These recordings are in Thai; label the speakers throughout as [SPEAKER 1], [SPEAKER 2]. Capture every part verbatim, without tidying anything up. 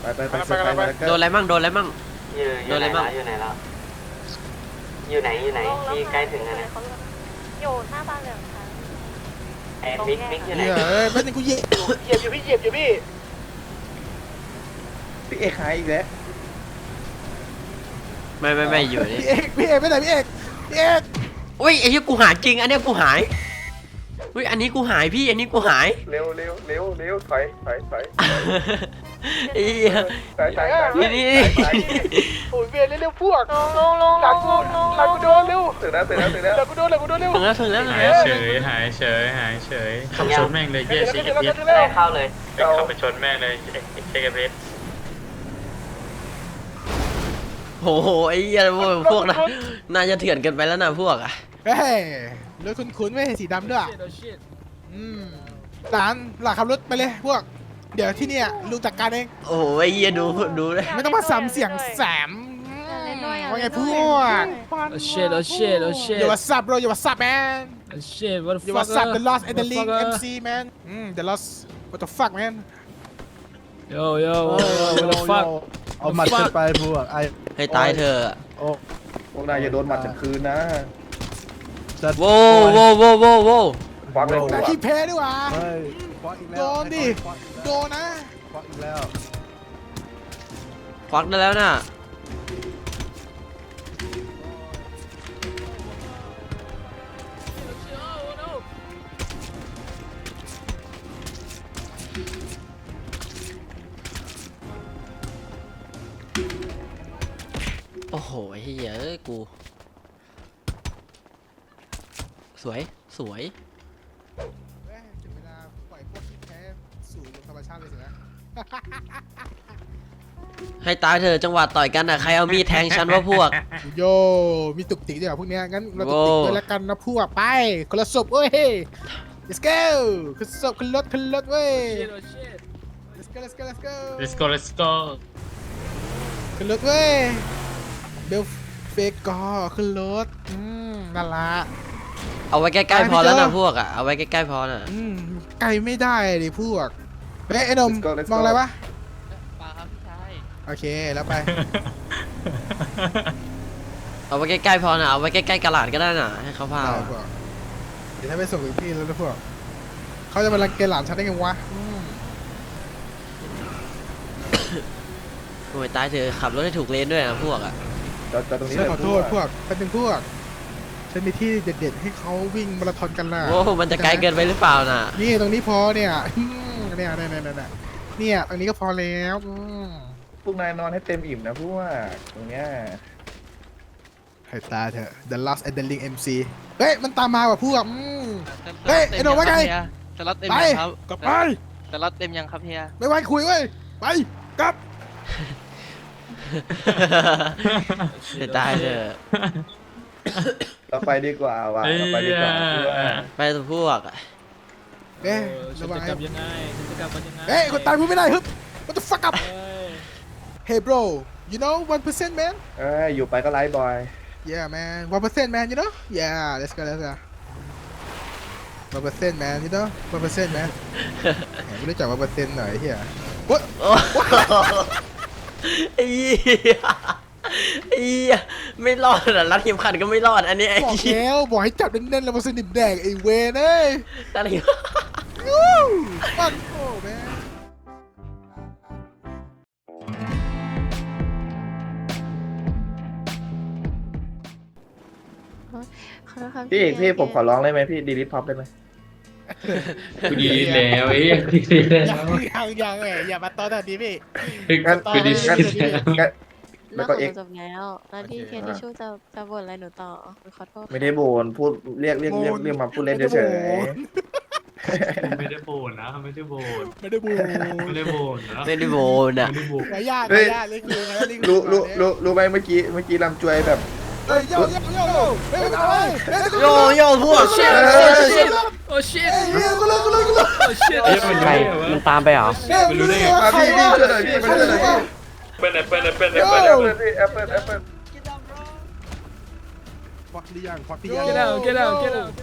[SPEAKER 1] ไปไปไปไปไป
[SPEAKER 2] โดนอะไรมั่งโดนอะไรมั่ง
[SPEAKER 3] อยู่อยู่ไหนแล้วอยู่ไหนแล้วอยู่ไหนอยู่ไหนที่ใกล้ถึงแล้วนะ
[SPEAKER 4] อยู่หน้าบ้านเหลืองค่ะ
[SPEAKER 3] ไอ้มิกมิกอยู่ไหน
[SPEAKER 5] เฮ้ยไม่เป็นกูเหยียบเหยียบอยู่พี่เหยียบอยู่พี่
[SPEAKER 1] พี่เอกหายอีกแล้ว
[SPEAKER 2] ไม่ไม่ไม่อยู่นี่
[SPEAKER 5] พี่เอกพี่เอกไม่ไหนพี่เอกพี่เอก
[SPEAKER 2] อุ้ยไอ้ที่กูหายจริงอันเนี้ยกูหายอุ้ยอันนี้กูหายพี่อันนี้กูหาย
[SPEAKER 1] เร็วเร็วเร็วเร็วถอยถอยถอย
[SPEAKER 2] ไอ้เหี้ย
[SPEAKER 1] ถอยถอยถอย
[SPEAKER 2] นี่นี่
[SPEAKER 5] โอ้ยเวียนเร็วๆพวก
[SPEAKER 4] ลงลงลง
[SPEAKER 5] หลัง
[SPEAKER 4] ล
[SPEAKER 5] กู
[SPEAKER 4] งลง
[SPEAKER 5] หลังกูโดนเร็ว
[SPEAKER 1] ถึงแล้วถึงแล้วถึงแล้ว
[SPEAKER 5] หลังกูโดนหลังกูโดนเร็ว
[SPEAKER 2] ถึงแล้วถึงแล้วถึง
[SPEAKER 6] หาย
[SPEAKER 2] แล้ว
[SPEAKER 6] เฉยหายเฉยหายเฉยขับชนแม่งเลยเย่ชิคกี้พาย
[SPEAKER 3] ได้เข้าเลย
[SPEAKER 6] ขับไปชนแม่งเลยเช็คกี้พาย
[SPEAKER 2] โอ้โหไอ้เหี้ยพวกพวกนะน่าจะเถื่อนเกินไปแล้วนะพวกอ่ะ
[SPEAKER 5] เฮ้ยรถคุ้นๆไม่เห็นสีดำด้วยอืมหลานหลานขับรถไปเลยพวกเดี๋ยวที่เนี่ยลุงจัดการเอง
[SPEAKER 2] โอ้โหไอ้เหี้ยดูดูเลย
[SPEAKER 5] ไม่ต้องมาซ้ำเสียงแสมว่าไงพวก
[SPEAKER 7] Oh shit, oh shit, oh shit.
[SPEAKER 5] อย่าว่าซับ bro อย่าว่าซับ man
[SPEAKER 7] Oh shit, what the
[SPEAKER 5] อย่า
[SPEAKER 7] fuck?
[SPEAKER 5] ว่าซับ the lost and the
[SPEAKER 7] What
[SPEAKER 5] link
[SPEAKER 7] fuck, uh?
[SPEAKER 5] เอ็ม ซี man อืม the lost what the fuck man
[SPEAKER 7] Yo, yo, what the fuck?
[SPEAKER 8] เอาหมัดขึ้นไปพวกไอ้
[SPEAKER 2] ให้ตายเธอ
[SPEAKER 8] โอ้
[SPEAKER 1] พวกนายอย่าโดนหมัดฉันคืนนะ
[SPEAKER 8] จะ
[SPEAKER 2] โว้โว้โว้โว้โว้
[SPEAKER 1] ควักเลยพว
[SPEAKER 5] แต่
[SPEAKER 1] ก
[SPEAKER 5] ขี้แพ้ดีกว่า
[SPEAKER 8] เฮ้ยควักอีกแล้ว
[SPEAKER 5] โดนดิ
[SPEAKER 8] ควักอีก
[SPEAKER 5] โด
[SPEAKER 8] แล้ว
[SPEAKER 5] นนะ
[SPEAKER 8] ควักอีกแล้ว
[SPEAKER 2] ควักได้แล้วน่ะโอ้โหไอ้เหี้ยเอ้ยกูสวยสวย
[SPEAKER 5] เอ้ยถึงเวลาปล่อยพวกขี้แพ้สู่ธรรมชาติเลยสินะ
[SPEAKER 2] ให้ตายเธอะจังหวะต่อยกันอ่ะใครเอามีดแทงฉันว่าพวก
[SPEAKER 5] โยมีตุกติกด้วยเหรอพวกเนี้ยงั้นเราตุกติก
[SPEAKER 2] โว้
[SPEAKER 5] ด้วยแล้วกันนะพวกไปคนละศพเว้ย let's go ขึ้นศพขึ้นรถขึ้นรถเว้ย
[SPEAKER 7] Shit, oh shit.
[SPEAKER 5] let's go let's go let's go
[SPEAKER 6] let's go let's go
[SPEAKER 5] ขึ้นรถเว้ยเบลเฟกกอขึ้นรถอืมนั่นละ
[SPEAKER 2] เอาไว้ใกล้ๆพอแล้วนะพวกอ่ะเอาไว้ใกล้ๆพอน่ะ
[SPEAKER 5] อืมไกลไม่ได้ดิพวกเฮ้ยไอ้หนม
[SPEAKER 1] Let's go, let's
[SPEAKER 5] มองอะไร
[SPEAKER 1] go
[SPEAKER 5] วะ
[SPEAKER 7] ปลาครับพี่ชาย
[SPEAKER 5] โอเคแล้วไป
[SPEAKER 2] เอาไว้ใกล้ๆพอน่ะเอาไว้ใกล้ๆกระหลาดก็ได้น่ะให้เขาพา
[SPEAKER 5] ได้พวกเดี๋ยวถ้าไปส่งถึงที่แล้วนะพวกเขาจะมารังเกยจหลานฉันได้ไงวะอืม
[SPEAKER 2] โอ้ยตายเธอะขับรถให้ถูกเลนด้วยนะพวกอ่ะ
[SPEAKER 1] จอดจอดตรงนี้
[SPEAKER 5] ฉัน
[SPEAKER 1] เลย
[SPEAKER 5] ขอโทษพวกเป็นเป็นพวกฉันมีที่เด็ดๆให้เขาวิ่งมาราธอนกันล่ะ
[SPEAKER 2] โอ้มันจะไกลเกินไปหรือเปล่าน่ะ
[SPEAKER 5] นี่ตรงนี้พอเนี่ยอืมเนี่ยเนี่ยเนี่ยเนี่ยเนี่ยตรงนี้ก็พอแล้วอืม
[SPEAKER 1] พวกนายนอนให้เต็มอิ่มนะพวกตรงเนี้ย
[SPEAKER 5] ให้ตาเถอะ The Lost and the Link เอ็ม ซี เฮ้ยมันตามมาว่ะพวกอืม เฮ้ยไอ้หนุ่มว่าไง
[SPEAKER 7] สล็อตเต็ม
[SPEAKER 5] ไป
[SPEAKER 7] ยังครับ
[SPEAKER 5] กลับไป
[SPEAKER 7] สล็อตเต็มยังครับเฮีย
[SPEAKER 5] ไม่ไหวคุยเว้ยไปกลับ
[SPEAKER 2] ให้ตายเธอะ
[SPEAKER 1] เราไปดีกว่าว่ะเราไปดีกว่าพวก
[SPEAKER 2] ไปตัวพวกอะ
[SPEAKER 5] เอ๊ะ
[SPEAKER 7] ฉั
[SPEAKER 5] ระ
[SPEAKER 7] น
[SPEAKER 5] วัง
[SPEAKER 7] จะกลับยังไงฉันจะกลับมันยังไง
[SPEAKER 5] เฮ้ยคนตายพูดไม่ได้ฮึบ What the fuck up
[SPEAKER 7] เฮ้ย
[SPEAKER 5] Hey bro you know one percent man
[SPEAKER 1] เอ้ยอยู่ไปก็ไลฟ์บอย
[SPEAKER 5] yeah man one percent man you know yeah let's go let's go one percent man you know one percent man แหมไม่รู้จัก one percent หน่อยเฮีย What
[SPEAKER 2] โอ้ไอ้เหี้ยไอ้เหี้ยไม่รอดอ่ะรัดเข็มขัดก็ไม่รอดอันนี้ไอ้
[SPEAKER 5] บอก
[SPEAKER 2] เหี้ย
[SPEAKER 5] แล้วบอกให้จับแน่นๆแล้วมาสนิมแดงไอ้เวนเอ้ย
[SPEAKER 2] รัดเข็ม
[SPEAKER 5] Woo! Fuck oh man
[SPEAKER 4] ขอโทษครับ
[SPEAKER 1] พี่เอกพี่ผมขอร้องได้ไหมพี่ดีลิทพ็อปได้ไหม
[SPEAKER 6] กูดีแล้วไอ้ยังดีแล้ว
[SPEAKER 5] ยังยังเอ้ยอย่ามาตอนนี้พี่
[SPEAKER 1] งั้น
[SPEAKER 6] กูดี
[SPEAKER 1] งั้น
[SPEAKER 6] แล้ว
[SPEAKER 1] งั้น
[SPEAKER 4] แล้
[SPEAKER 1] แล้ว ว
[SPEAKER 4] ก็
[SPEAKER 1] ก็เอ็ก
[SPEAKER 4] จบแล้วแล้วที่เคนทิชชู่จะจะบ่นอะไรหนูต่อขอโทษ
[SPEAKER 1] ไม่ได้โบนพูดเรียกเรียกเรียกเรียกมาพูดเล่นเฉย
[SPEAKER 6] ไม่ได้โบนนะไม่ได้โบน
[SPEAKER 5] ไม่ได้บู
[SPEAKER 6] ไม่ได้โบนนะ
[SPEAKER 2] ไม่ได้โบนอ่ะ
[SPEAKER 6] ไม่ได้โบน
[SPEAKER 5] ขายากขายากเลยคือไงนี่คือ
[SPEAKER 1] รู้รู้รู้รู้ไหมเมื่อกี้เมื่อกี้ลำจวยแบบ
[SPEAKER 5] เฮ้ยโยโยโยโยเฮ้ยอะไร
[SPEAKER 2] โยโย่พวก
[SPEAKER 7] โอ้ shit
[SPEAKER 1] เอ
[SPEAKER 7] โอ้
[SPEAKER 1] อ
[SPEAKER 7] shit โอ้ shit
[SPEAKER 5] เฮ้ยกูเลยกูเลยกูเลย
[SPEAKER 7] โอ้ shit
[SPEAKER 6] เอ้ยมันรู้ได้ไงวะ
[SPEAKER 2] มันตามไปเหรอ
[SPEAKER 6] ไม่รู้ได้ไง
[SPEAKER 1] อ่ะพี่พี่ช่วยหน่อยพี่มาช่วยหน่อยพี่
[SPEAKER 6] เป็นแอปเปิลแอปเปิลแอป
[SPEAKER 1] แอป
[SPEAKER 6] เปิ
[SPEAKER 1] เปิ
[SPEAKER 6] ล
[SPEAKER 1] ล
[SPEAKER 6] แอปเปิล
[SPEAKER 1] พี่แอปเปิลแอปเปิล
[SPEAKER 8] ควักหรือยังควักหรือยัง
[SPEAKER 7] get out get out get out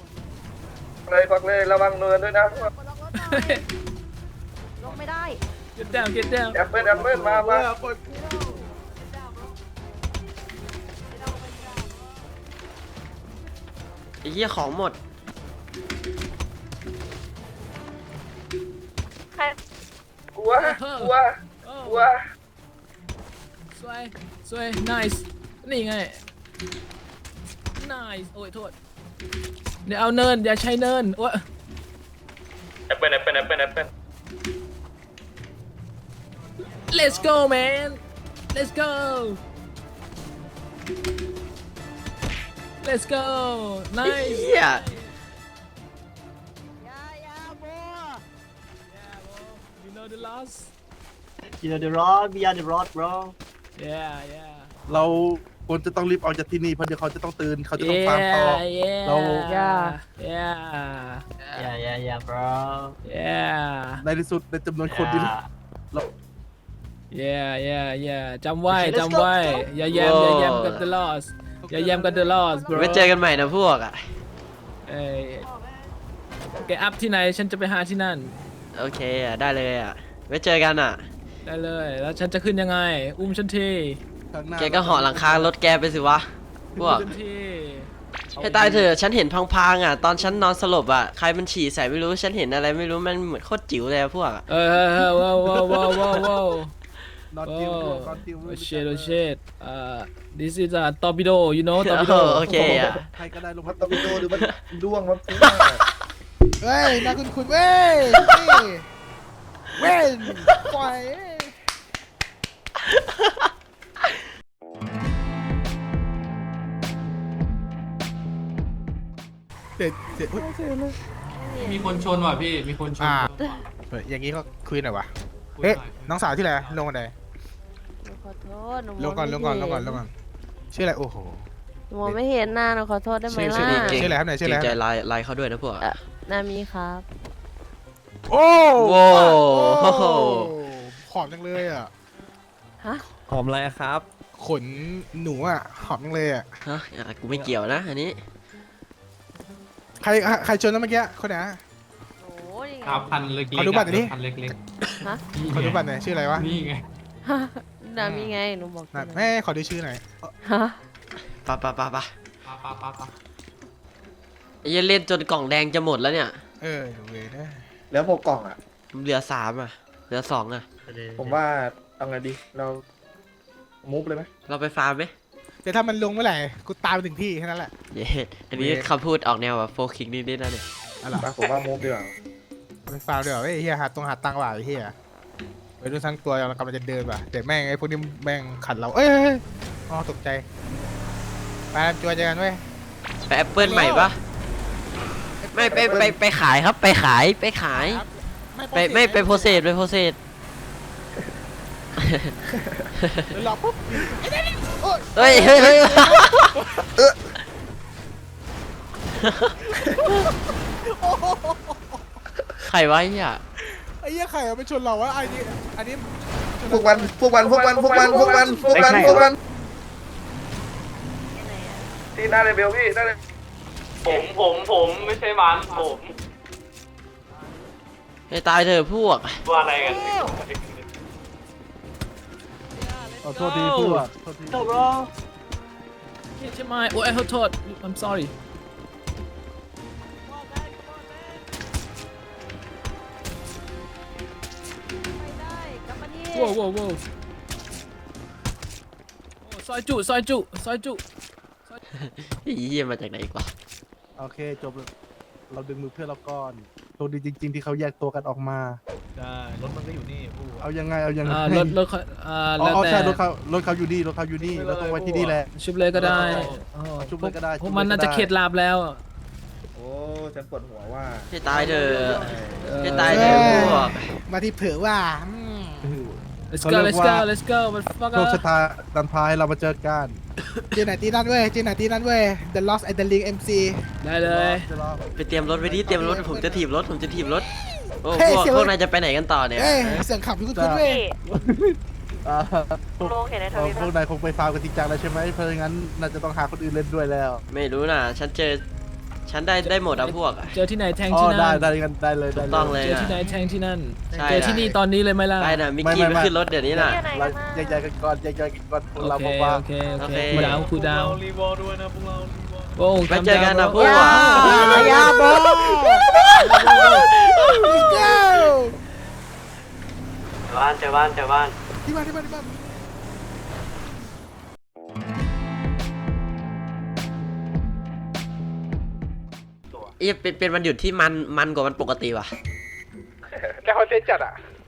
[SPEAKER 1] เลยฟักเลยระวังเนินด้วยนะ
[SPEAKER 4] ลงไม่ได้
[SPEAKER 7] get down get down
[SPEAKER 1] แอปเปิลแอปเปิลมามา
[SPEAKER 2] ไอ้เหี้ยของหมด
[SPEAKER 1] กลัวกลัวกลัว
[SPEAKER 7] สวยสวย nice นี่ไง nice โอ้ยโทษเดี๋ยวเอาเนินอย่าใช้เนินโอ้ย
[SPEAKER 6] แอปเปิลแอปเปิลแอปเปิลแอปเปิล
[SPEAKER 7] let's go man let's go let's go
[SPEAKER 2] ไอ้
[SPEAKER 7] nice
[SPEAKER 2] เหี้ย
[SPEAKER 7] you know the loss
[SPEAKER 3] You know the road we are the road bro
[SPEAKER 7] yeah yeah
[SPEAKER 8] เราควรจะต้องรีบออกจากที่นี่เพราะเดี๋ยวเขาจะต้องตื่นเขาจะต้องฟาร์มต่อ
[SPEAKER 7] yeah yeah
[SPEAKER 8] เรา
[SPEAKER 7] yeah
[SPEAKER 3] Yeah yeah yeah bro
[SPEAKER 7] yeah
[SPEAKER 8] ในที่สุดในจำนวนคนที่
[SPEAKER 7] yeah yeah yeah จำไว้จำไว้อย่าแยมอย่าแยมกับ the loss อย่าแยมกับ the loss bro
[SPEAKER 2] ไว้เจอกันใหม่นะพวกอ่ะ
[SPEAKER 7] เอ้ยแกอัพที่ไหนฉันจะไปหาที่นั่น
[SPEAKER 2] โอเคอ่ะได้เลยอ่ะไว้เจอกันอ่ะ
[SPEAKER 7] ได้เลยแล้วฉันจะขึ้นยังไง อุ้มฉันที
[SPEAKER 8] ข้างหน้า
[SPEAKER 2] แกก็เหาะหลังคารถแกไปสิวะพวก
[SPEAKER 7] ฉันที
[SPEAKER 2] ให้ตายเถอะฉันเห็นพังๆอ่ะตอนฉันนอนสลบอ่ะใครมันฉี่ใส่ไม่รู้ฉันเห็นอะไรไม่รู้มันเหมือนโคตรจิ๋วเลยอะพวกอะ
[SPEAKER 7] เออเออเออว้าวว้าวว้าวว้าวว้าว
[SPEAKER 8] นอนติว
[SPEAKER 7] oh
[SPEAKER 8] นอนติว
[SPEAKER 7] oh shit oh shit uh this is a torpedo you know torpedo
[SPEAKER 2] โอเคอ่ะ
[SPEAKER 8] ใครก็ได้ลง
[SPEAKER 1] มั
[SPEAKER 8] มาน
[SPEAKER 1] ตะปิโดหรือมันด้วงมัน
[SPEAKER 5] เฮ้ยน่าคุณคุณเว้ยนี่เว้นปล่อยเด็ดเด็ดอุ๊ย
[SPEAKER 6] มีคนชนว่ะพี่มีคนชน
[SPEAKER 5] อ่าเฮ้ยอย่างงี้ก็คุยหน่อยวะ
[SPEAKER 6] คุย
[SPEAKER 5] เฮ้ย
[SPEAKER 6] หน่อย
[SPEAKER 5] น้องสาวที่ไหนลงกันไหน
[SPEAKER 4] หนูขอโทษหนู
[SPEAKER 5] ลงก่อนลงก่อนลงก่อนลงก่อนชื่ออะไรโอ้โห
[SPEAKER 4] หนูมองไม่เห็นหน้าหนูขอโทษได้ไหม
[SPEAKER 5] ชื่อ
[SPEAKER 4] ล่ะ
[SPEAKER 5] ชื่ออะไรครับเนี่ยชื่ออะไร
[SPEAKER 2] เกรงใจไลน์ไลน์เขาด้วยนะพวก
[SPEAKER 4] เอ่อนามีครับ
[SPEAKER 5] โอ้
[SPEAKER 2] โว้
[SPEAKER 5] โอ้
[SPEAKER 2] โห
[SPEAKER 5] หอมจังเลยอ่ะ
[SPEAKER 4] ฮะ
[SPEAKER 7] หอมอะไรครับ
[SPEAKER 5] ขนหนูอ่ะหอมจังเลยอ่ะ
[SPEAKER 2] ฮะอ่ะกูไม่เกี่ยวนะอันนี้
[SPEAKER 5] ใครใครชนนะเมื่อกี้คนไหน
[SPEAKER 4] โอ้ยยังไง
[SPEAKER 6] ครับพันเล็กๆ
[SPEAKER 5] ขอดูบัตรหน่อยดิ
[SPEAKER 6] พันเล็ก
[SPEAKER 4] ฮะ
[SPEAKER 6] ๆนี่
[SPEAKER 5] ขอดู
[SPEAKER 6] ไง
[SPEAKER 5] บัตรหน่อยชื่ออะไรวะ
[SPEAKER 6] นี่ไง
[SPEAKER 4] ฮะนามีไงหนูบอก
[SPEAKER 5] นั่น
[SPEAKER 4] อยู่
[SPEAKER 5] แม่ขอดูชื่อหน่อย
[SPEAKER 4] ฮะ
[SPEAKER 2] ปะปะปะปะ
[SPEAKER 6] ปะปะปะปะ
[SPEAKER 2] ไอ้เหี้ยเล่นจนกล่องแดงจะหมดแล้วเนี่ย
[SPEAKER 5] เออเวนะ
[SPEAKER 1] แล้วพกกล่องอ่ะ
[SPEAKER 2] เหลือสามอ่ะเหลือสองอ่ะ
[SPEAKER 1] ผมว่าเอาไงดีเรามูฟเลยไหม
[SPEAKER 2] เราไปฟาร์มไหม
[SPEAKER 5] แต่ถ้ามันลงเมื่อไหร่กูตามไปถึงที่แค่นั้นแหละ
[SPEAKER 2] เย้อันนี้คำพูดออกแนวแบบโฟคิงนิดๆนะเนี่ย
[SPEAKER 5] อะไร
[SPEAKER 1] มาผมว่ามูฟดีกว่า
[SPEAKER 5] ไปฟาวเดี๋ยวไอ้เฮียหาตรงหาตังค์ว่ะไอ้เฮียไปดูทั้งตัวเรากำลังจะเดินว่ะแต่แม่งไอ้พวกนี้แม่งขัดเราเอ้ยเอ้ยเอ้ยอ๋อตกใจไปจัวเจอกันเว้ย
[SPEAKER 2] ไปแอปเปิลใหม่ปะไม่ไปไปไปขายครับไปขายไปขาย ไปไม่ไปโพเซสไปโพเซส
[SPEAKER 5] เดี๋ยวรอปุ๊บ
[SPEAKER 2] เฮ้ยเฮ้ยเฮ้ยใครวะเนี่ย
[SPEAKER 5] ไอ้เหี้ยไข่เอาไปชนเราวะไอ้นี่อันนี้
[SPEAKER 1] พวกมันพวกมันพวกมันพวกมันพวกมันพวกมันพวกมันที่หน้าเลเวลพี่หน้าเลเวล
[SPEAKER 3] ผมผมผมไม่ใช่มันผม
[SPEAKER 2] ให้ตายเถอะพวก
[SPEAKER 3] ว่าอะไรกัน
[SPEAKER 8] ขอโทษทีเพื่อนโทษที
[SPEAKER 3] โตบร
[SPEAKER 7] ใช่ไหมโอ้ยขอโทษ I'm sorry
[SPEAKER 4] ไปได้กลับมานี่
[SPEAKER 7] ว้าวว้าวว้าวโอ้ซอยจุซอยจุซอยจุ
[SPEAKER 2] ไอ้เหี้ยมาจากไหนอีกวะ
[SPEAKER 8] โอเคจบแล้วเราดึงมือเพื่อนเราก่อนโชคดีจริง ๆ ที่เขาแยกตัวกันออกมา
[SPEAKER 7] ได้รถมันก็อยู่นี่
[SPEAKER 8] เอายังไงเอายังไง
[SPEAKER 7] อ่ารถรถเขาอ่า
[SPEAKER 8] อ๋อ
[SPEAKER 7] แล้ว
[SPEAKER 8] อ๋อ
[SPEAKER 7] แต่
[SPEAKER 8] ใช่รถเขารถเขาอยู่นี่รถเขาอยู่นี่เราต้องไว้ที่นี่แหละ
[SPEAKER 7] ชุบเลยก็ได้
[SPEAKER 8] อ๋อชุบเลยก็ได้
[SPEAKER 7] พวกมันน่าจะเข็ดลาบแล้ว
[SPEAKER 1] โอ้ฉันปวดหัวว่า
[SPEAKER 2] ให้ตายเถอะ
[SPEAKER 7] เออ
[SPEAKER 2] ให้ตายเถอะพวก
[SPEAKER 5] มาที่เผือว่าอืม
[SPEAKER 7] let's go let's go let's go มันฟัก
[SPEAKER 8] โชคชะตาดันพายเรามาเจอกัน
[SPEAKER 5] เจอไหนตีนั่นเว้ยเจอไหนตีนั่นเว้ย The Lost and the Link เอ็ม ซี
[SPEAKER 7] ได้เลย
[SPEAKER 8] จะรอ
[SPEAKER 2] ไปเตรียมรถไว้ดิเตรียมรถผมจะถีบรถผมจะถีบรถโอ้
[SPEAKER 5] เฮ้ย
[SPEAKER 2] พวก
[SPEAKER 5] เสียว
[SPEAKER 2] พวกนายจะไปไหนกันต่อเนี่ย
[SPEAKER 5] เอ้ยเสียงขับพี่คุณคุณเว้ย
[SPEAKER 8] อ่าพวก
[SPEAKER 4] โลกเห็นในท
[SPEAKER 8] เอ่อ
[SPEAKER 4] วิต
[SPEAKER 8] พวกนายคงไปฟาร์มกันจริงจังแล้วใช่ไหมเพราะงั้นน่าจะต้องหาคนอื่นเล่นด้วยแล้ว
[SPEAKER 2] ไม่รู้นะฉันเจอฉันได้ได้หมดอะพวกอะ
[SPEAKER 7] เจอที่ไหนแทง
[SPEAKER 8] อ๋อ
[SPEAKER 7] ที่
[SPEAKER 8] ได้
[SPEAKER 7] นั่น
[SPEAKER 8] ได้กันได้เลย
[SPEAKER 2] ถู
[SPEAKER 8] ได้
[SPEAKER 2] ก
[SPEAKER 8] เล
[SPEAKER 2] ต้อง
[SPEAKER 8] ย
[SPEAKER 2] เลย
[SPEAKER 7] เจอ
[SPEAKER 2] นะ
[SPEAKER 7] ที่ไหนแทงที่นั่น
[SPEAKER 2] ใช่
[SPEAKER 7] เจอที่นี่ตอนนี้เลยไหมล่ะ
[SPEAKER 2] ไปนะมิกกี้ไปขึ้นรถเดี๋ยวนี้น่ะ
[SPEAKER 8] เราแยกย้ายกันก่อนแยกย้ายกันก่อนพวกเรา
[SPEAKER 7] โอเค
[SPEAKER 8] บอกว่า
[SPEAKER 7] โอเคโอ
[SPEAKER 2] โอ
[SPEAKER 7] เค
[SPEAKER 2] เค
[SPEAKER 7] คูดาวคูดาว
[SPEAKER 6] รีวอลด้วยนะพวกเรารีวอล
[SPEAKER 7] โอ้
[SPEAKER 2] ไปเจอกันนะพวก
[SPEAKER 5] ยาบอ
[SPEAKER 3] บ้านเจอบ้านเจอบ้าน
[SPEAKER 5] ที่บ้านที่บ้านที่บ้าน
[SPEAKER 2] เอ๊ะเป็นเป็นวันหยุดที่มันมันกว่าวันปกติว่ะ
[SPEAKER 5] แกคอนเทนต์จัดอ่ะ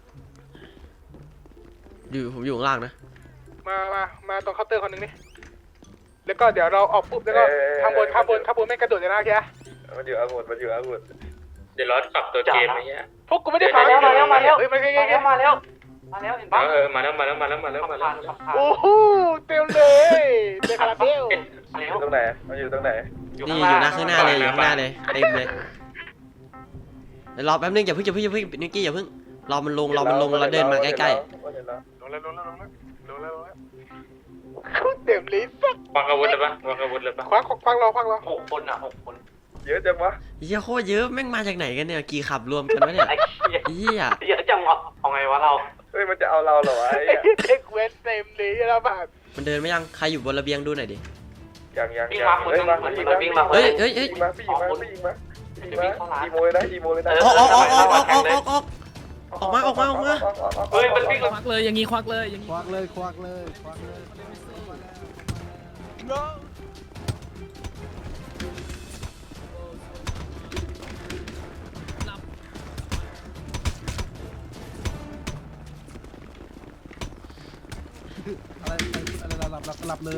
[SPEAKER 2] อยู่ผมอยู่ข้างล่างนะ
[SPEAKER 5] มามามาตรงเคาน์เตอร์คนหนึ่งนี่แล้วก็เดี๋ยวเราออกปุ๊บแล้วก็ข้างบนข้างบนข้างบนไม่กระโดดเลยนะแก
[SPEAKER 1] มันอยู่อาวุธมันอยู่อาวุธ
[SPEAKER 6] เดี๋ยวรอปรับตัวเกมไอ้เงี้ย
[SPEAKER 5] พวกกูไม่ได้
[SPEAKER 3] มาแล้วมาแล้วมาแล้ว
[SPEAKER 5] เฮ้ยมา
[SPEAKER 3] มา
[SPEAKER 5] เฮ้ย
[SPEAKER 3] แล้วมาแล้วมาแล้วเห็นปะ
[SPEAKER 6] เออมาแล้วมาแล้วมาแล้วมาแล้วมาแล้วมาแล้ว
[SPEAKER 5] โอ้โหเต็มเลยเต็มคาราเบล
[SPEAKER 3] มาแล้
[SPEAKER 1] อ
[SPEAKER 3] ว
[SPEAKER 1] ยู่ตรงไหนมันอยู่ตรงไหน
[SPEAKER 2] นี่อยู่หน้าข้างหน้าเลยอยู่ข้างหน้าเลยเต็มเลยเดี๋ยวรอแป๊บนึงอย่าเพิ่งอย่าเพิ่งอย่าเพิ่งนิกกี้อย่าเพิ่งรอมันลงรอมันลงแล้วเดินมาใกล้
[SPEAKER 5] ลงแล้วลงแล้วลงแล้วลงแล้วลงแล้วเต็มเลยสัก
[SPEAKER 6] วางอาวุธเลยปะวางอาวุธเลยปะ
[SPEAKER 5] ควักควักรอควักรอ
[SPEAKER 3] หกคนอ่ะหกคน
[SPEAKER 1] เยอะจังวะ
[SPEAKER 2] ๆเหี้ยโคตรเยอะแม่งมาจากไหนกันเนี่ยกี่ขับรวมกันวะเนี่ย
[SPEAKER 3] ไอ้เหี้ย
[SPEAKER 2] เหี้ย
[SPEAKER 3] เยอะจังวะเอาไงวะเรา
[SPEAKER 1] เฮ้ยมันจะเอาเราเหรอวะไอ้
[SPEAKER 5] เด็กเว้นเต็มเลยแล้วแบบ
[SPEAKER 2] มันเดินไม่ยังใครอยู่บนระเบียงดูหน่อยดิ
[SPEAKER 1] ยังยัง
[SPEAKER 3] วิ่ง
[SPEAKER 1] ยั
[SPEAKER 3] มาง คนนึงเหมือนมันวิ่งมา
[SPEAKER 2] เฮ้ยเฮ้ยเฮ้ย
[SPEAKER 1] ยิงมาพี่ยิงมาพี่ยิงมาพี่ยิงมาอีโมเลยนะอีโมเลยนะ
[SPEAKER 2] ออกออกออกออกออกออกออกออกออกมาออกมาออกมา
[SPEAKER 3] เฮ้ยมันวิ่ง
[SPEAKER 7] ควักเลยอย่างงี้ควักเลยอย่างงี้
[SPEAKER 8] ควักเลยควักเลยควักเลยอะไรอะไรหลับหลับหลับเลย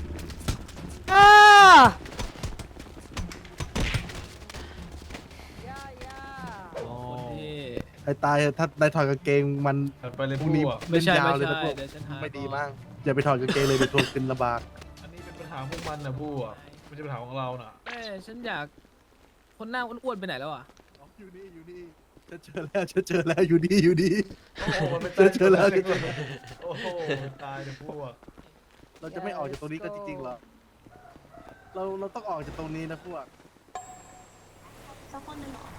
[SPEAKER 7] โอ้ที่
[SPEAKER 8] ไอ้ตายถ้าได้ถอดกางเกงมัน
[SPEAKER 6] ไปเลย
[SPEAKER 8] พ
[SPEAKER 6] พ
[SPEAKER 8] รุ่
[SPEAKER 6] ว
[SPEAKER 8] งนี้
[SPEAKER 6] ก
[SPEAKER 7] ไม่ใช่
[SPEAKER 8] เล่นยาว
[SPEAKER 7] ไม่
[SPEAKER 8] เลย
[SPEAKER 7] ใช่
[SPEAKER 8] นะพวก
[SPEAKER 7] เดี๋ยวฉันหา
[SPEAKER 8] ไม่ดีมากอย่าไปถอดกางเกงเลยเดี๋ยวทวงกินลำบาก
[SPEAKER 6] อันนี้เป็นปัญหาพวกมันนะพวกไม่ใช่ปัญหาของเราน่ะ
[SPEAKER 7] แม่ฉันอยากคนหน้าอ้วนๆไปไหนแล้วอ่ะ
[SPEAKER 8] อยู่นี่อยู่นี่ฉันเจอแล้วฉันเจอแล้วอยู่นี่อยู่นี่
[SPEAKER 6] โอ้โหมันไม่
[SPEAKER 8] เจอเจอแล้วเจอเจอแล้ว
[SPEAKER 6] โอ้โหตายเลยพวก
[SPEAKER 8] เราจะไม่ออกจากตรงนี้ก็จริงๆเหรอเราเราต้องออกจากตรงนี้นะพวก
[SPEAKER 4] สักคนหนึ่งเหรอ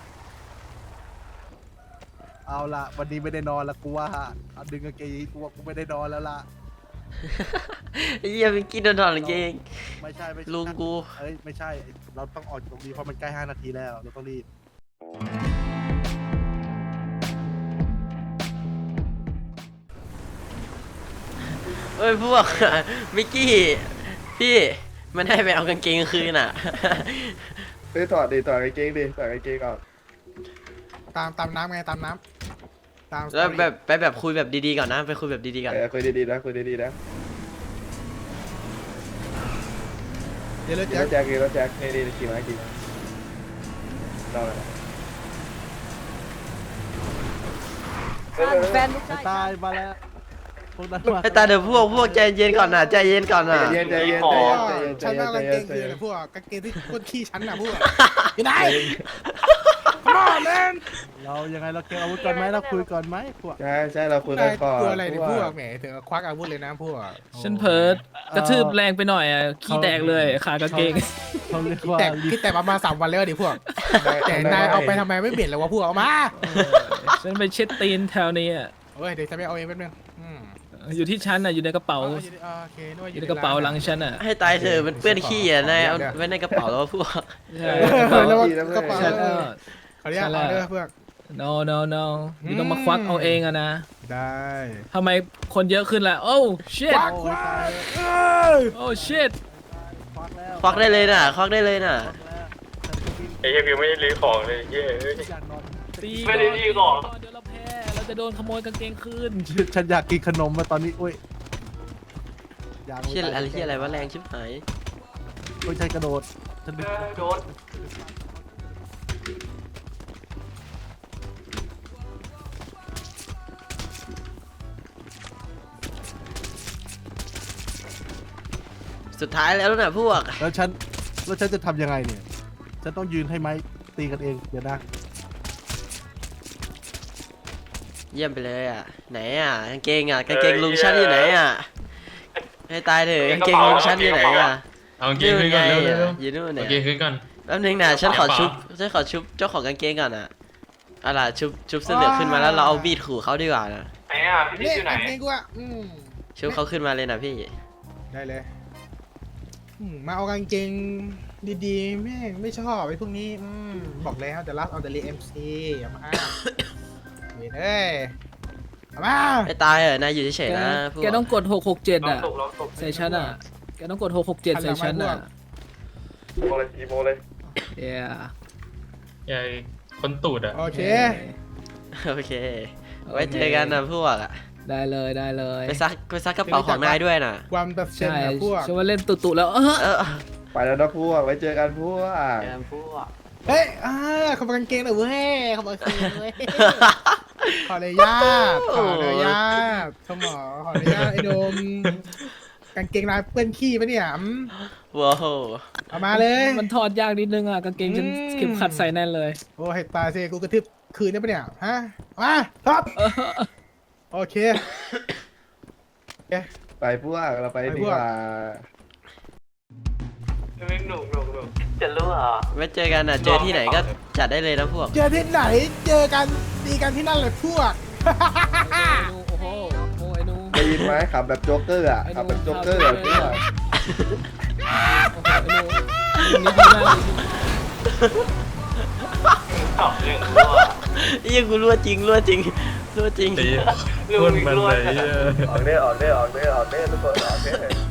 [SPEAKER 8] เอาละวันนี้ไม่ได้นอนละกูว่าเอาดึงกางเกงกูว่ากูไม่ได้นอนแล้วล่ะ
[SPEAKER 2] ไอ้เหี้ยมิกกี้โดนถอดกางเกง
[SPEAKER 8] ไม่ใช่ไม่ใช่
[SPEAKER 2] ลุงกู
[SPEAKER 8] เอ้ยไม่ใช่ เราต้องออกจากตรงนี้เพราะมันใกล้ห้านาทีแล้วเราต้องรีบ
[SPEAKER 2] เอ้ยพวก มิกกี้พี่มันให้ไปเอากางเกงคืนอ่ะ
[SPEAKER 1] เฮ้ยถอดดิถอดกางเกงดิถอดกางเกงออก
[SPEAKER 5] ตามตามน้ำไงตามน้ำตาม
[SPEAKER 2] แล้วแบบไปแบบคุยแบบดีๆก่อนนะไปคุยแบบดีๆก่อน
[SPEAKER 1] เออคุยดีๆนะคุยดีๆนะ
[SPEAKER 5] เดี๋ยวเลย
[SPEAKER 1] ขี่
[SPEAKER 5] แจ็
[SPEAKER 1] ร
[SPEAKER 5] ค
[SPEAKER 1] ถแจ็คขี่รถแจ็คนี่นี่ขี่มาขี่มาเราเลยเออเออ
[SPEAKER 4] แฟนลูก
[SPEAKER 8] ไอ้ตายมาแล้วพวกนั้นมา
[SPEAKER 2] ไอ้ตาเดี๋ยวพวกพวกใจเย็นก่อนนะใจเย็นก่อนนะ
[SPEAKER 1] ใจเย็นใจเย็น
[SPEAKER 5] อ๋
[SPEAKER 1] ใจ
[SPEAKER 5] อ
[SPEAKER 1] เย็นใจ
[SPEAKER 5] ฉัน
[SPEAKER 1] เย็
[SPEAKER 5] นั่
[SPEAKER 1] น
[SPEAKER 5] ง
[SPEAKER 1] ใจ
[SPEAKER 5] กางเก
[SPEAKER 1] เย็น
[SPEAKER 5] ง
[SPEAKER 1] ใจ
[SPEAKER 5] คือ
[SPEAKER 1] เย็
[SPEAKER 5] อะไร
[SPEAKER 1] น
[SPEAKER 5] พวกกางเกงที่คนขี้ฉันน่ะพวกอยู่ไหน Come on man
[SPEAKER 8] เรายังไงเราเก็บอาวุธก่อนไหมเราคุยก่อนไหมพวก
[SPEAKER 1] ใช่ใช่เราคุย
[SPEAKER 5] นา
[SPEAKER 1] กัน
[SPEAKER 5] ย
[SPEAKER 1] ก่อน
[SPEAKER 5] กลัวอะไรเนี่ยพวกแหมถึงกับควักอาวุธเลยนะพวก
[SPEAKER 7] ฉันเพิร์ดกระทืบแรงไปหน่อยอ่ะขี้แตกเลยขากางเกง
[SPEAKER 8] เขาเรียก
[SPEAKER 5] คิด
[SPEAKER 8] ว่า
[SPEAKER 5] แต่คิดแต่ประมาณสามวันแล้วดิพวกแต่นายเอาไปทำไมไม่เปลี่ยนเลยวะพวกเอามา
[SPEAKER 7] ฉันไปเช็ดตีนแถวนี้อ่ะ
[SPEAKER 5] เฮ้ยเดี๋ยวจะไปเอาเองแป๊บนึงอืม
[SPEAKER 7] อยู่ที่ฉันอ่ะอยู่ในกระเป๋า
[SPEAKER 5] อ๋ออยู่ในโอเคนึกว่า
[SPEAKER 7] อยู่ในกระเป๋าหลังฉันอ่ะ
[SPEAKER 2] ให้ตายเถอะมันเปื้อนขี้อ่ะนายเอาไว้ในกระเป๋าแล้วพวก
[SPEAKER 7] ใช่
[SPEAKER 5] เออแล้วกระเป๋า
[SPEAKER 7] ฉัน
[SPEAKER 5] เอ
[SPEAKER 7] ก็
[SPEAKER 5] อขออนุญาตเอาเด้อเพื่อน
[SPEAKER 7] no no no อยู่ต้องมาควักเอาเองอะนะ
[SPEAKER 5] ได้
[SPEAKER 7] ทำไมคนเยอะขึ้นล่ะโอ้ shit
[SPEAKER 5] ควักควักเอ้ย
[SPEAKER 7] โอ้ shit
[SPEAKER 8] ควักแล้ว
[SPEAKER 2] ควักได้เลยน่ะควักได้เลยน่ะ
[SPEAKER 8] ควักแล้ว
[SPEAKER 6] ไอ้เหี้ยวิวไม่ได้รื้อของเลยเย้เอ้ย
[SPEAKER 8] อยากนอน
[SPEAKER 7] ตี
[SPEAKER 3] ไม่ได้ดีก่อน
[SPEAKER 7] เดี๋ยวเราแพ้เราจะโดนขโมยกางเกงคืน
[SPEAKER 8] ฉันอยากกินขนมมาตอนนี้โอ้ยอยาก
[SPEAKER 2] เชี่ยอะไรเชี่ยอะไรวะแรงชิบหาย
[SPEAKER 8] โอ้ยฉันกระโดดฉันดึง
[SPEAKER 3] โดน
[SPEAKER 2] สุดท้ายแล้วน่ะพวก
[SPEAKER 8] แล้วฉันแล้วฉันจะทำยังไงเนี่ยฉันต้องยืนให้ไม้ตีกันเองเดี๋ยวนะ
[SPEAKER 2] เยี่ยมไปเลยอ่ะไหนอ่ะกางเกงอ่ะกางเกงลุงชั้นอยู่ไหนอ่ะให้ตายเถอะกางเกงลุงชั้นอยู่ไหนอ่ะ
[SPEAKER 6] เอาเกงขึ้นก่อนเร็วเร็ว
[SPEAKER 2] อยู่นู่น
[SPEAKER 6] โอ
[SPEAKER 2] เนี่ย
[SPEAKER 6] เคขึ้นก่อน
[SPEAKER 2] แป๊บนึงนะฉันขอชุบฉันขอชุบเจ้าของกางเกงก่อนนะเอาล่ะชุบชุบเสื้อเหลืองขึ้นมาแล้วเราเอาบีดขู่เขาดีกว่านะ
[SPEAKER 3] ไหนอ่ะพี่ติ๊กอยู่ไหน
[SPEAKER 5] เล่นกูอ่ะอืม
[SPEAKER 2] ชุบเขาขึ้นมาเลยนะพี่
[SPEAKER 5] ได้เลยอืมมาเอากางเกงดีๆแม่งไม่ชอบไอ้พวกนี้อืมบอกแล้วจะรับเอาแต่เรียเอ็มซีอย่ามาเว้ยเอ้ยเอามา
[SPEAKER 2] ไม่ตายเหรอนายอยู่เฉย
[SPEAKER 7] แก
[SPEAKER 2] ๆนะพวก
[SPEAKER 7] แกต้องกดหกหกเจ็ด
[SPEAKER 3] ลอง
[SPEAKER 7] อ่ะ
[SPEAKER 3] ตกลองตก
[SPEAKER 7] ใส่ฉันอ่ะแกต้องกดหกหกเจ็ดใส่ฉันอ่ะ
[SPEAKER 1] อีโมเลยอีโมเลย
[SPEAKER 7] เย้
[SPEAKER 6] ใหญ่คนตูดอ่ะ
[SPEAKER 5] โอเค
[SPEAKER 2] โอเค ไว้เจอกันนะพวกอะ
[SPEAKER 7] ได้เลยได้เลย
[SPEAKER 2] ไปซักไปซักกระเป๋าของนายด้วยนะ
[SPEAKER 5] ความแบบเซน
[SPEAKER 7] ใช่
[SPEAKER 5] นะพวก
[SPEAKER 7] ฉันว่าเล่นตุๆแล้วเออ
[SPEAKER 2] เออ
[SPEAKER 1] ไปแล้วนะพวกไว้เจอกันพวก
[SPEAKER 3] แกมพวก
[SPEAKER 5] เฮ้ยอ่าขอบกางเกงหน่อยเว้ยขอบกางเกงเว้ยขออนุญาตขออนุญาตสมอขออนุญาตไอ้โดมกางเกงลายเปื้อนขี้ปะเนี่ยอืม
[SPEAKER 2] ว้าว
[SPEAKER 5] เอามาเลย
[SPEAKER 7] มันถอดยากนิดนึงอ่ะกางเกงฉัน
[SPEAKER 5] อืม
[SPEAKER 7] เข็มขัดใส่แน่นเลย
[SPEAKER 5] โอ้ให้ตายสิกูกระทืบคืนได้ปะเนี่ยฮะมาครับโอเค
[SPEAKER 1] ไปพวกเราไป
[SPEAKER 5] ไป
[SPEAKER 1] ดี
[SPEAKER 5] พว
[SPEAKER 1] ก
[SPEAKER 5] ก
[SPEAKER 1] ว่า
[SPEAKER 3] ไม่หนุ่มหนุ่มหนุ่มจะรู้เหรอ
[SPEAKER 2] ไว้เจอกันนะเจอที่ไหนก็จัดได้เลยนะพวก
[SPEAKER 5] เจอที่ไหนเจอกันดีกันที่นั่นเลยพวก
[SPEAKER 7] โอ้โหโอ้ไอ้หนู
[SPEAKER 1] ได้ยินไหมขับแบบโจ๊กเกอร์อ่ะขับแบบโจ๊กเกอร์อะพวก
[SPEAKER 7] โอ้โหไอ้หนูนี่ดีมากเลย
[SPEAKER 3] ตอบเรื่องรั่ว
[SPEAKER 2] ยังกูรั่วจริงรั่วจริงรั่วจริง
[SPEAKER 6] ตีพ่นมันเลยเหี้ย
[SPEAKER 1] ออกเด้อออกเด้อออกเด้อออกเด้อทุกคนออกเด้อ